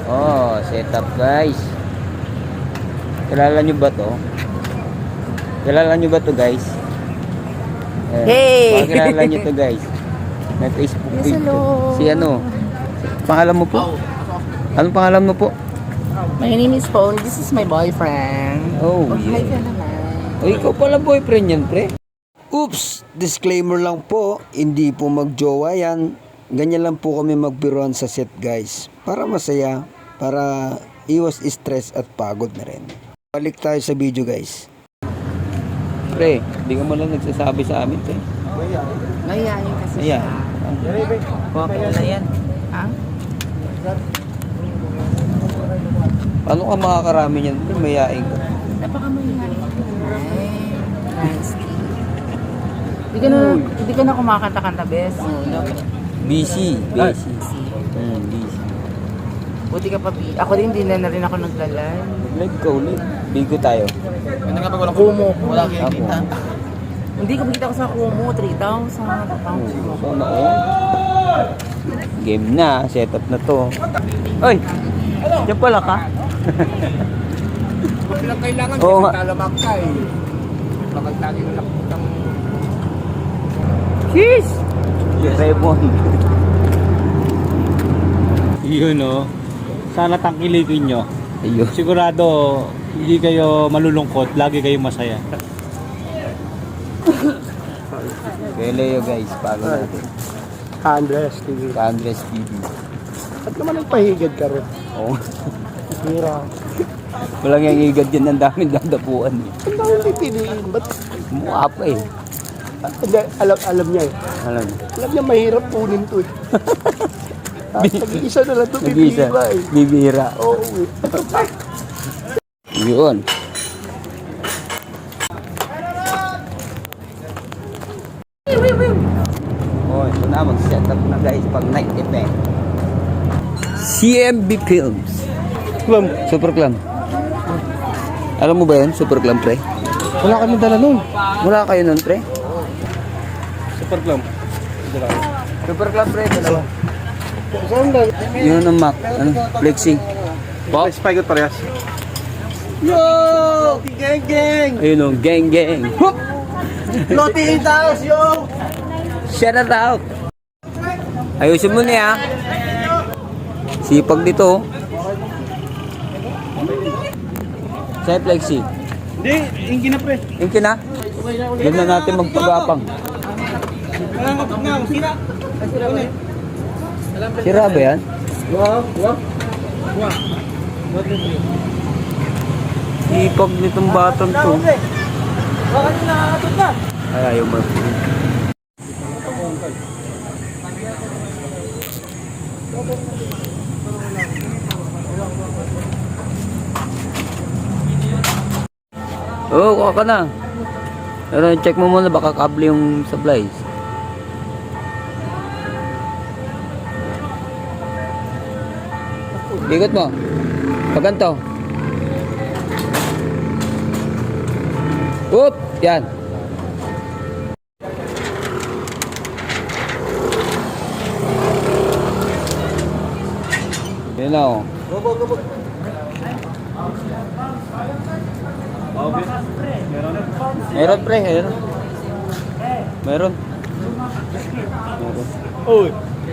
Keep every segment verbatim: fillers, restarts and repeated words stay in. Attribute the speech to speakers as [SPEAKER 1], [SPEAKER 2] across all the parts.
[SPEAKER 1] Oh, setup guys. Kilala nyo ba to? Kilala nyo ba to guys? Eh,
[SPEAKER 2] Hey!
[SPEAKER 1] baka kilala nyo to guys. May Facebook
[SPEAKER 2] Yes,
[SPEAKER 1] page.
[SPEAKER 2] hello.
[SPEAKER 1] Si ano? Pangalan mo po? Anong pangalan mo po?
[SPEAKER 2] My name is Paul. This is my boyfriend.
[SPEAKER 1] Oh,
[SPEAKER 2] Hi ka
[SPEAKER 1] yeah.
[SPEAKER 2] naman.
[SPEAKER 1] O, ikaw pala boyfriend yan, pre.
[SPEAKER 3] Oops! Disclaimer lang po, hindi po magjowa yan. Ganyan lang po kami magbiruan sa set guys. Para masaya, para iwas stress at pagod na rin. Balik tayo sa video guys.
[SPEAKER 1] Pre, di ka mo lang nagsasabi sa amin, pre.
[SPEAKER 2] Mayayain kasi
[SPEAKER 1] Ayan.
[SPEAKER 2] siya.
[SPEAKER 1] Kuha ka na yan.
[SPEAKER 2] Ha?
[SPEAKER 1] Paano ka makakarami yan, pre? Mayain ka.
[SPEAKER 2] Napakamayayain ka naman. Nice. Hindi ka na, hindi ka na kumakanta-kanta, bes.
[SPEAKER 1] Busy. Busy. Hmm, busy.
[SPEAKER 2] Buti ka pa, bi- ako din, hindi na, na rin ako naglalay.
[SPEAKER 1] Live ka ulit. Bigo tayo.
[SPEAKER 2] Kumo. Wala
[SPEAKER 1] Ako.
[SPEAKER 2] Hindi ko kita ko sa Kumo, three thousand.
[SPEAKER 1] Sana all. Game na. Setup na to. Oy! Diyan pala ka?
[SPEAKER 4] Kung lang kailangan,
[SPEAKER 1] Oo nga.
[SPEAKER 4] talamak ka eh. Bakit lagi mo nakaputang...
[SPEAKER 1] Cheese! Raymond.
[SPEAKER 5] Yun o. Sana tangkilikin nyo.
[SPEAKER 1] Ayun.
[SPEAKER 5] Sigurado hindi kayo malulungkot, lagi kayo masaya.
[SPEAKER 1] Kaya Leo guys, follow natin.
[SPEAKER 4] Andres T V.
[SPEAKER 1] Ka Andres T V.
[SPEAKER 4] At naman nagpahigad ka rin.
[SPEAKER 1] Oo.
[SPEAKER 4] Hira.
[SPEAKER 1] Walang yung igad yan. Ang daming dadapuan. Eh.
[SPEAKER 4] Ang dami pipiliin. Ba't?
[SPEAKER 1] Mukha pa eh.
[SPEAKER 4] Hindi, alam, alam niya eh.
[SPEAKER 1] Alam.
[SPEAKER 4] Alam niya mahirap punin to eh. Ah, Nag-iisa na lang ito
[SPEAKER 1] Nag-isa.
[SPEAKER 4] pipila eh.
[SPEAKER 1] Bibira.
[SPEAKER 4] Oo eh.
[SPEAKER 1] Yun. Oh, ito na. Mag-setup na guys pag night event. C M B Films.
[SPEAKER 4] Clam,
[SPEAKER 1] Super Clam. Alam mo ba yun? Super Clam, pre?
[SPEAKER 4] wala kami dala nun.
[SPEAKER 1] Wala kayo nun, pre?
[SPEAKER 4] Super Clam.
[SPEAKER 1] Super Clam, pre. Dalawa.
[SPEAKER 4] Saan lang?
[SPEAKER 1] Yun ang Mac. Ano? Flexi.
[SPEAKER 4] Box? Spike parehas. Yo! Gang gang!
[SPEAKER 1] Ayun o. Gang, gang. Whoop!
[SPEAKER 4] Loti eight house, yo!
[SPEAKER 1] Shout it out. Ayusin mo niya. Sipag dito. Sa'yo, Flexi.
[SPEAKER 4] Hindi, inggi na pre.
[SPEAKER 1] Yung kina. Ganda natin magpagapang. Sira ba yan?
[SPEAKER 4] Wow, wow. Wow.
[SPEAKER 1] Sipag nitong batang to.
[SPEAKER 4] Bakit nakakatod na?
[SPEAKER 1] Ay, ayaw mo. Oo, oh, kuha ka na. Pero check mo muna baka kable yung supplies. Bigot mo. Paganto. Oop! Yan. Yan na oh. Meron pre, meron. Meron.
[SPEAKER 4] Uy.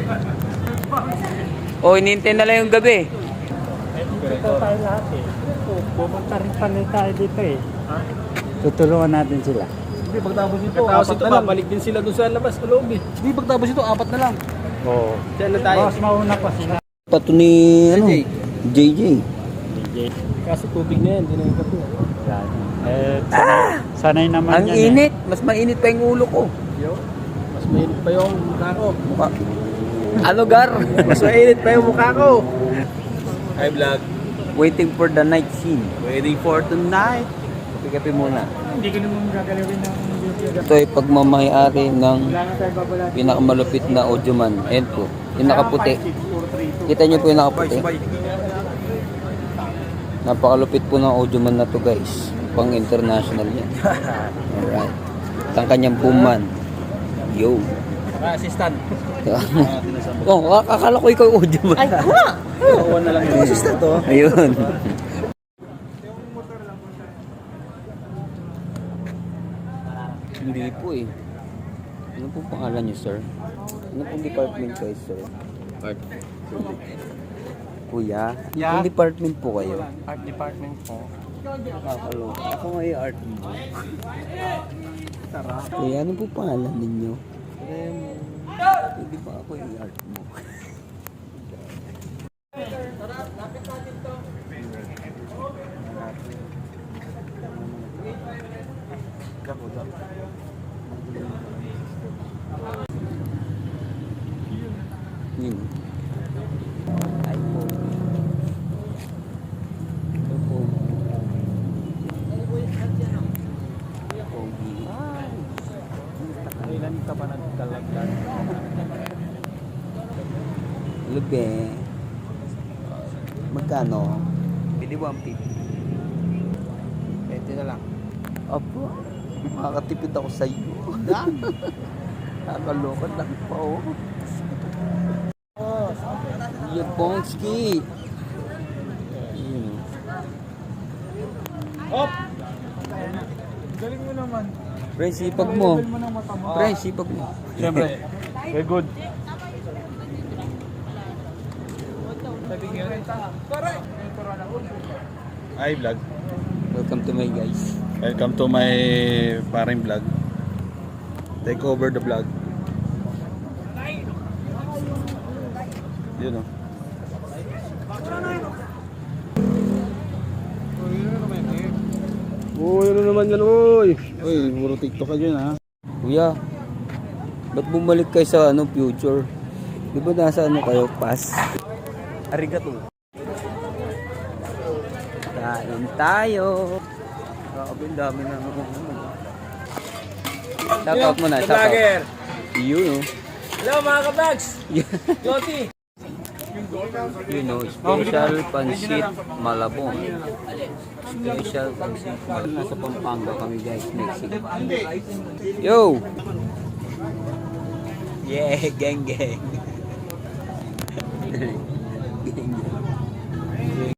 [SPEAKER 1] Oh, inintay na lang yung gabi.
[SPEAKER 5] Ito tayo lahat eh. Pupunta rin pala tayo dito eh. Tutulungan natin sila.
[SPEAKER 4] Hindi, pagtapos ito, apat na lang. Balik din sila doon sa labas, sa loob eh. Hindi, pagtapos ito, apat na lang.
[SPEAKER 5] Oo.
[SPEAKER 4] Diyan na tayo.
[SPEAKER 5] Mas mauna pa sila.
[SPEAKER 1] Pato ni, ano? J J.
[SPEAKER 4] Kasi tubig na yan, hindi na yung kape.
[SPEAKER 5] Yan. Eh, sanay, sanay naman
[SPEAKER 1] Ang
[SPEAKER 5] yan
[SPEAKER 1] init. Mas mainit pa yung ulo ko.
[SPEAKER 4] Yo, mas mainit pa yung mukha ko.
[SPEAKER 1] Mukha. Ano, Gar?
[SPEAKER 4] Mas mainit pa yung mukha ko. Hi vlog.
[SPEAKER 1] Waiting for the night scene.
[SPEAKER 4] Waiting for tonight.
[SPEAKER 1] Kape-kape muna.
[SPEAKER 5] Hindi ko naman gagalawin ng video.
[SPEAKER 1] Ito ay pagmamayari ng pinakamalupit na audioman. Ayan po. Yung nakaputi. Kita nyo po yung nakaputi. Napakalupit po ng audioman na to guys. Pang international yan. Alright. Ang kanyang boom man. Yo.
[SPEAKER 4] Naka-assistant.
[SPEAKER 1] Oh, akala ko ikaw audio man.
[SPEAKER 2] Ay, wala!
[SPEAKER 4] Kawan na lang yung assistant to.
[SPEAKER 1] Ayun. Hindi po eh. Ano po pangalan niyo, sir? Ano pong department kayo, sir? Art. Kuya,
[SPEAKER 5] Yeah.
[SPEAKER 1] anong department po kayo?
[SPEAKER 5] Art department po.
[SPEAKER 1] Nakakalo. Ako nga yung art mo. Kuya, ano po pangalan ninyo? Hindi pa ako yung art mo. Yun. Ay po. Ito po. Pogi.
[SPEAKER 4] Ilan ka ba nagkalagdag?
[SPEAKER 1] Lube. Magkano? Pwede one fifty.
[SPEAKER 5] Pwede na lang.
[SPEAKER 1] Apo. Makakatipid ako sa iyo. Nakakalokan lang pa oh. Yung Bongski. Yun.
[SPEAKER 4] Hop! Galing mo naman.
[SPEAKER 1] Pre, sipag mo. Pre, sipag mo.
[SPEAKER 4] Siyempre. Very good. Hi vlog.
[SPEAKER 1] Welcome to my guys.
[SPEAKER 4] Welcome to my paring vlog. Take over the vlog. Yun o. Uy, ano naman yan, uy? Uy, puro TikTok ka dyan, ha?
[SPEAKER 1] Kuya, ba't bumalik kayo sa ano, future? Di ba nasa ano kayo, past? Arigato. Kain tayo. Grabe, ang dami na ano. Shout out mo na, shout out. Yun, oh.
[SPEAKER 4] Hello mga ka-vlogs! Joti!
[SPEAKER 1] You know, special pansit Malabon. Special pansit Malabon. Nasa Pampanga kami guys, Mexico. Yo! Yeah, gang gang. Gang gang.